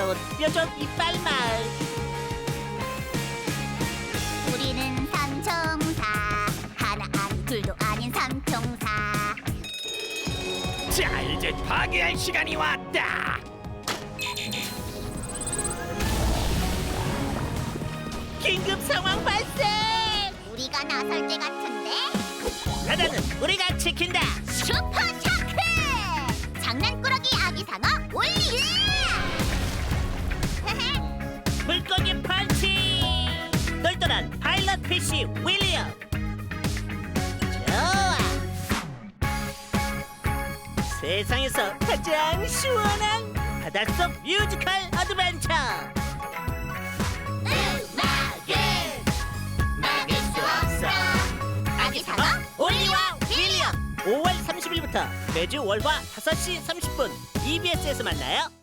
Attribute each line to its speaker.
Speaker 1: 반가운 뾰족 이빨 마을.
Speaker 2: 우리는 삼총사, 하나 아닌 둘도 아닌 삼총사.
Speaker 3: 자, 이제 파괴할 시간이 왔다.
Speaker 1: 긴급 상황 발생.
Speaker 2: 우리가 나설 때 같은데?
Speaker 1: 바다는 우리가 지킨다.
Speaker 2: 슈퍼 차크! 장난꾸러기 아기 상어 올리!
Speaker 1: 물고기 펀치. 똘똘한 파일럿 피쉬 윌리엄. 좋아. 세상에서 가장 시원한 바닷속 뮤지컬 어드벤처.
Speaker 2: 음악은 막을 수 없어. 아기 상어 올리와 윌리엄.
Speaker 1: 5월 30일부터 매주 월화 5시 30분 EBS에서 만나요.